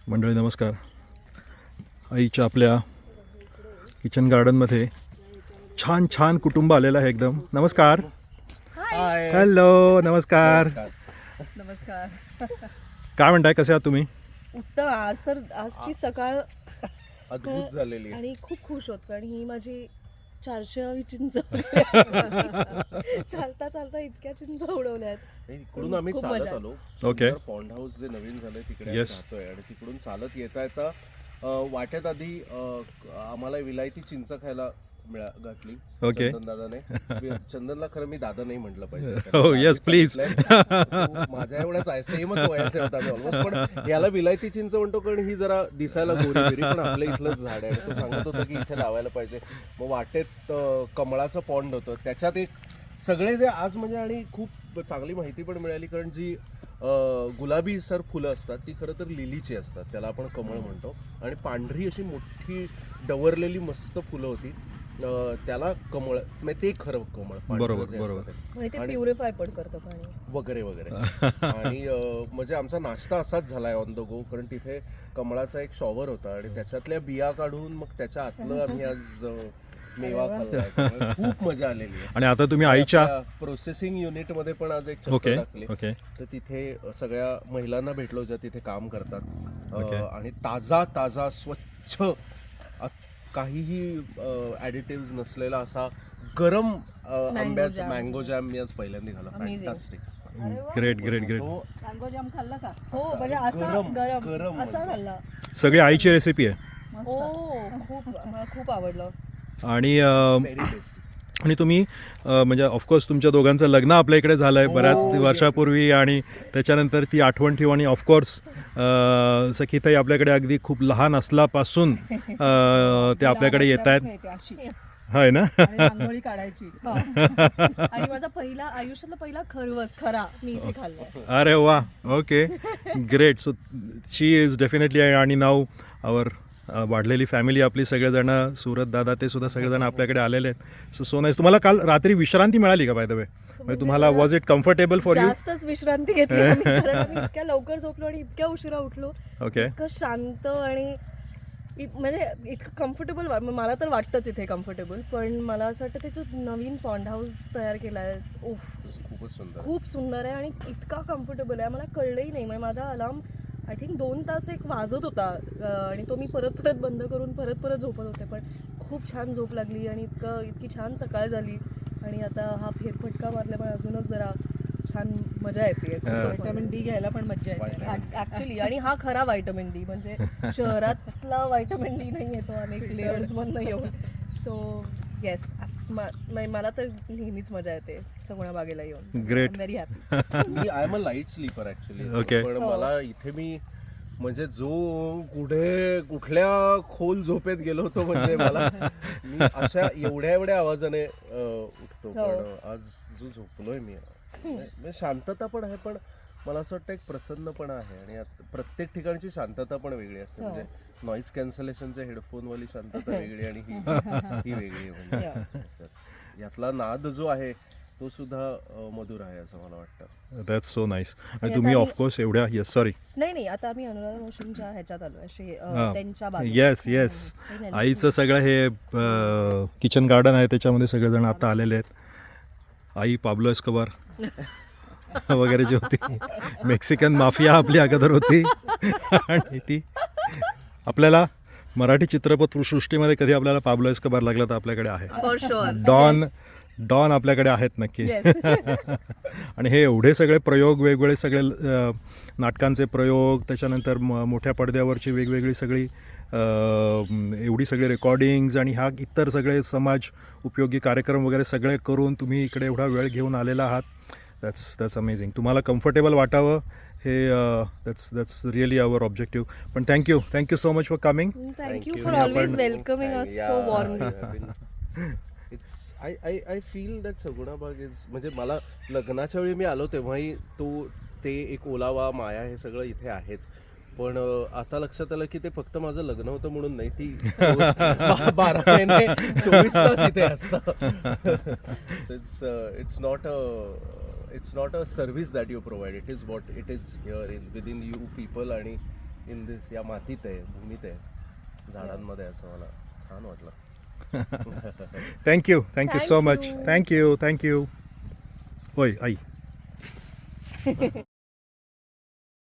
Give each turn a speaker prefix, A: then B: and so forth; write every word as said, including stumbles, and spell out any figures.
A: मंडळी नमस्कार. आईच्या आपल्या किचन गार्डनमध्ये छान छान कुटुंब आलेलं आहे एकदम. नमस्कार. हॅलो. नमस्कार.
B: नमस्कार.
A: काय म्हणताय, कसे आहात तुम्ही?
B: उत्तम. आज तर आजची सकाळ
C: अद्भुत झालेली.
B: आणि खूप खुश होत कारण ही माझी चारशेवी चिंच चालता चालता इतक्या चिंच उडवल्यात.
C: इकडून आम्ही
B: खूप
C: चालत
B: मजा.
C: आलो.
A: ओके.
C: पॉन्ड हाऊस जे नवीन झालंय तिकडे
A: Yes.
C: राहतोय आणि तिकडून चालत येता येता अ, वाटेत आधी अ, आम्हाला विलायती चिंच खायला मिळा घातली
A: ओके.
C: चंदन दादाने. चंदनला खरं मी दादा नाही म्हटलं पाहिजे.
A: हो, yes, please.
C: तो माझ्या एवढाच आहे, सेमच वयाचे होता ऑलमोस्ट. पण याला विलायती चिंच म्हणतो कारण ही जरा दिसायला गोरी बिरी, पण आपल्या इथलंच झाड आहे. तो सांगत होता की इथे लावायला पाहिजे. मग वाटेत अ, कमळाचं पॉन्ड होतं, त्याच्यात एक सगळे जे आज म्हणजे आणि खूप चांगली माहिती पण मिळाली कारण जी अ, गुलाबी सर फुलं असतात ती खरं तर लिलीची असतात, त्याला आपण कमळ म्हणतो. आणि पांढरी अशी मोठी डवरलेली मस्त फुलं होती, अ, त्याला कमळ म्हणजे ते खरं कमळ पांढरं
A: बरोबर,
C: जे
A: बरोबर.
C: असतं ते.
B: आणि ते
C: आणि-
B: प्युरिफाय पण करतं पाणी
C: वगैरे वगैरे. आणि अ, म्हणजे आमचा नाश्ता असाच झालाय ऑन द गो, कारण तिथे कमळाचा एक शॉवर होता आणि त्याच्यातल्या बिया काढून मग त्याच्या आतलं आम्ही आज अ, मेवा खाल्लाय. त्यामुळे खूप मजा आलेली आहे.
A: आणि आता तुम्ही आईच्या
C: प्रोसेसिंग युनिट मध्ये पण आज एक
A: ओके
C: चक्कर टाकली.
A: ओके
C: तर तिथे सगळ्या महिलांना भेटलो ज्या तिथे काम करतात. Uh,
A: okay.
C: आणि ताजा ताजा स्वच्छ अ, काहीही ऍडिटिव्ह नसलेला असा गरम अ, आंब्याचा
B: jam.
C: मँगो जॅम मी आज पहिल्यांदा खाल्ला.
B: Amazing.
C: Fantastic.
A: Great great great.
C: So,
B: mango jam खाल्ला का? हो, म्हणजे असा
C: गरम,
B: गरम
C: गरम
B: असा
C: म्हणजे.
B: खाल्ला.
A: सगळी आईची रेसिपी आहे.
B: हो, खूप मला खूप आवडलं.
A: आणि अं,
C: very tasty.
A: आणि तुम्ही अं, म्हणजे ऑफकोर्स तुमच्या दोघांचं लग्न आपल्या इकडे झालं आहे
C: हो,
A: बऱ्याच
C: हो.
A: वर्षापूर्वी, आणि त्याच्यानंतर ती आठवण ठेवू. आणि ऑफकोर्स सखीताई आपल्याकडे अगदी खूप लहान असल्यापासून अं, ते आपल्याकडे येत आहेत, आहे ना?
D: रांगोळी काढायची.
B: आणि माझा पहिला आयुष्यातला पहिला खरवस खरा मी इथे खाल्लाय.
A: अरे वा. Okay. Great. So she is definitely. आणि नाव आवर वाढलेली फॅमिली आपली सगळेजण, सुरत दादा ते सुद्धा सगळेजण आपल्याकडे आलेले आहेत. So so nice. तुम्हाला काल रात्री विश्रांती मिळाली का बाय द वे? म्हणजे तुम्हाला was it comfortable for you?
B: जास्तच विश्रांती घेतली आम्ही, कारण आम्ही इतक्या लवकर झोपलो आणि इतक्या उशिरा उठलो.
A: ओके.
B: इतकं शांत आणि इत- म्हणजे इतकं कम्फर्टेबल. मला तर वाटतंच इथे कम्फर्टेबल, पण मला असं वाटतं ते जो नवीन पॉन्ड हाऊस तयार केला आहे, उफ,
C: खूपच सुंदर.
B: खूप सुंदर आहे आणि इतका कम्फर्टेबल आहे. मला कळलंही नाही. म्हणजे माझा अलार्म आय थिंक दोन तास एक वाजत होता अं, आणि तो मी परत परत बंद करून परत परत झोपत होते, पण खूप छान झोप लागली आणि इतकं इतकी छान सकाळ झाली. आणि आता हा फेरफटका मारल्यामुळे अजूनच जरा छान मजा येते.
D: व्हिटॅमिन डी घ्यायला पण मज्जा येते.
B: ऍक्च्युली. आणि हा खरा व्हायटमिन डी, म्हणजे शहरातला व्हायटमिन डी नाही येतो अनेक लेअर्स मधनं येऊन. सो येस, मला तर नेहमीच मजा येते सगुणा बागेला येऊन.
A: Great.
B: Very happy.
C: मी I am a light sleeper actually.
A: Okay.
C: पण मला इथे मी म्हणजे जो कुठे कुठल्या खोल झोपेत गेलो होतो म्हणजे मला मी अशा एवढ्या एवढ्या आवाजाने अ, उठतो. पण आज जो झोपलोय मी म्हणजे शांतता पण आहे, पण मला असं वाटतं एक प्रसन्नपणा आहे. आणि यात प्रत्येक ठिकाणची शांतता पण वेगळी असते. म्हणजे नॉईज कॅन्सलेशनचे हेडफोनवाली शांतता वेगळी आणि ही ही वेगळी आहे. म्हणजे यातला नाद जो आहे तो सुद्धा अ, मधुर आहे असं मला वाटतं.
A: That's so nice. आणि तुम्ही ऑफकोर्स एवढ्या येस सॉरी
B: नाही नाही, आता आम्ही अनुराधा मावशींच्या ह्याच्यात आलो असे त्यांच्या बागेत.
A: येस येस आईचं सगळं हे किचन गार्डन आहे, त्याच्यामध्ये सगळेजण आता आलेले आहेत. आई पाब्लो एस्कोबार वगैरे जी होती, मेक्सिकन माफिया आपली अगोदर होती. आणि ती आपल्याला मराठी चित्रपट सृष्टीमध्ये कधी आपल्याला पाब्लो एस्कोबार लागला तर आपल्याकडे आहे.
B: For sure.
A: डॉन डॉन आपल्याकडे आहेत नक्की. आणि हे एवढे सगळे प्रयोग, वेगवेगळे सगळे अ, नाटकांचे प्रयोग, त्याच्यानंतर म मोठ्या पडद्यावरची वेगवेगळी सगळी अ, एवढी सगळी रेकॉर्डिंग्ज आणि ह्या इतर सगळे समाज उपयोगी कार्यक्रम वगैरे सगळे करून तुम्ही इकडे एवढा वेळ घेऊन आलेला आहात. That's that's amazing. तुम्हाला कम्फर्टेबल वाटावं हे that's that's really our objective. पण thank you thank you so much for coming.
B: Thank you for always welcoming us so warmly.
C: It's I I I feel that Saguna Baug is म्हणजे मला लग्नाच्या वेळी मी आलो तेव्हाही तो ते एक ओलावा माया हे सगळं इथे आहेच. पण अ, आता लक्षात आलं की ते फक्त माझं लग्न होतं म्हणून नाही, ती बा- बारा महिने चोवीस तास इथे असतं. It's it's not a it's not a service that you provide, it is what it is here in within you people. आणि इन दिस या मातीत आहे, भूमीत आहे, झाडांमध्ये, असं मला छान वाटलं.
A: Thank you thank you so
B: Thank
A: much
B: you.
A: Thank you thank you. होय आई